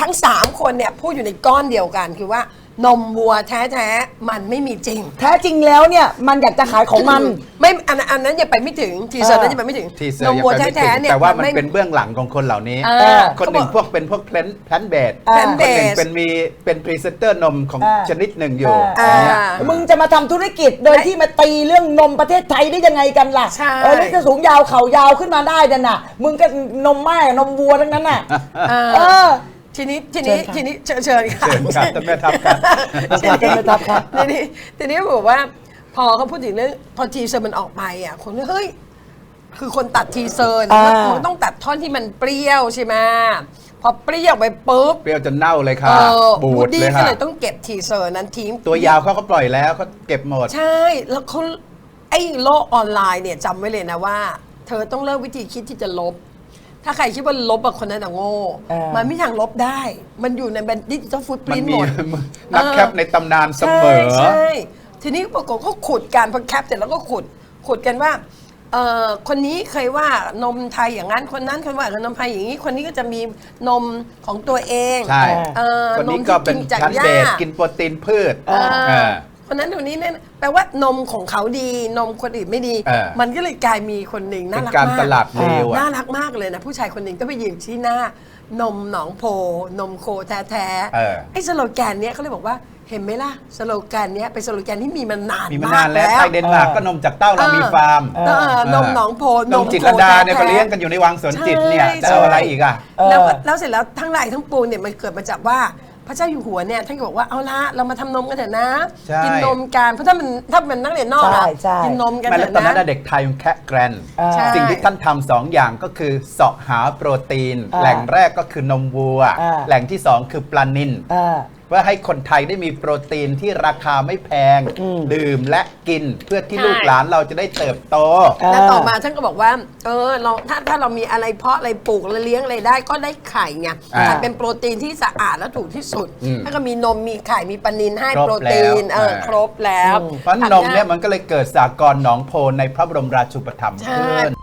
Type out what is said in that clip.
ทั้ง3คนเนี่ยพูดอยู่ในก้อนเดียวกันคือว่านมวัวแท้ๆมันไม่มีจริงแท้จริงแล้วเนี่ยมันอยากจะขายของมันไม่อันนั้นยังไปไม่ถึงทีเซอร์นั้นยังไปไม่ถึงนมวัวแท้ๆเนี่ยแต่ว่ามันเป็นเบื้องหลังของคนเหล่านี้คนหนึ่งเป็นพวกแพลนเบสคนหนึ่งเป็นพรีเซนเตอร์นมของชนิดหนึ่งอยู่มึงจะมาทำธุรกิจโดยที่มาตีเรื่องนมประเทศไทยได้ยังไงกันล่ะนี่จะสูงยาวเข่ายาวขึ้นมาได้นั่นน่ะมึงก็นมแม่นมวัวทั้งนั้นน่ะทีนี้เชิญค่ะท่านแม่ทัพครับทีนี้บอกว่าพอเขาพูดถึงเรื่องพอทีเซอร์มันออกไปอ่ะคนก็เฮ้ยคือคนตัดทีเซอร์มันต้องตัดท่อนที่มันเปรี้ยวใช่ไหมพอเปรี้ยวไปปุ๊บเปรี้ยวจนเน่าเลยค่ะบูดเลยค่ะก็เลยต้องเก็บทีเซอร์นั้นทิ้งตัวยาวเขาก็ปล่อยแล้วเขาเก็บหมดใช่แล้วเขาไอ้โลกออนไลน์เนี่ยจำไว้เลยนะว่าเธอต้องเลิกวิธีคิดที่จะลบถ้าใครคิดว่าลบคนนั้นโง่มันไม่ทางลบได้มันอยู่ในดิจิทัลฟุตปรินท์หมดนักแคปในตำนานเสมอใช่ทีนี้ปรากฏเขาขุดกันพอแคปเสร็จแล้วก็ขุดกันว่าคนนี้เคยว่านมไทยอย่างนั้นคนนั้นเคยว่านมไทยอย่างนี้คนนี้ก็จะมีนมของตัวเองใช่คนนี้ก็เป็นชั้นเบสกินโปรตีนพืชคนนั้นคนนี้เนี่ยแปลว่านมของเขาดีนมคนอื่นไม่ดีมันก็เลยกลายมีคนหนึ่งน่ารักมากการตลาดเลวน่ารักมากเลยนะผู้ชายคนหนึ่งก็ไปยืนที่หน้านมหนองโพนมโคแท้ๆไอ้สโลแกนเนี้ยเขาเลยบอกว่าเห็นไหมล่ะสโลแกนเนี้ยเป็นสโลแกนที่มีมานานมากแล้วไทยเดนมาร์กก็นมจากเต้าเรามีฟาร์มนมหนองโพนมจิตรลดาเนี่ยก็เลี้ยงกันอยู่ในวังสวนจิตเนี่ยจะเอาอะไรอีกอ่ะแล้วเสร็จแล้วทั้งหลายทั้งปวงเนี่ยมันเกิดมาจากว่าพระเจ้าอยู่หัวเนี่ยท่านก็บอกว่าเอาละเรามาทำนมกันเถอะนะกินนมกันเพราะถ้ามันนักเรียนนอกอะกินนมกันเถอะนะตอนนั้นเด็กไทยมันแค่แกรนสิ่งที่ท่านทำสองอย่างก็คือเสาะหาโปรตีนแหล่งแรกก็คือนมวัวแหล่งที่สองคือปลานิลเพื่อให้คนไทยได้มีโปรตีนที่ราคาไม่แพงดื่มและกินเพื่อที่ลูกหลานเราจะได้เติบโตและต่อมาท่านก็บอกว่าเราถ้าเรามีอะไรเพาะอะไรปลูกอะไรเลี้ยงอะไรได้ก็ได้ไข่ไงไข่เป็นโปรตีนที่สะอาดและถูกที่สุดถ้าก็มีนมมีไข่มีปลานิลให้โปรตีนครบแล้วเพราะนมเนี่ยมันก็เลยเกิดสากลหนองโพในพระบรมราชูปถัมภ์ขึ้น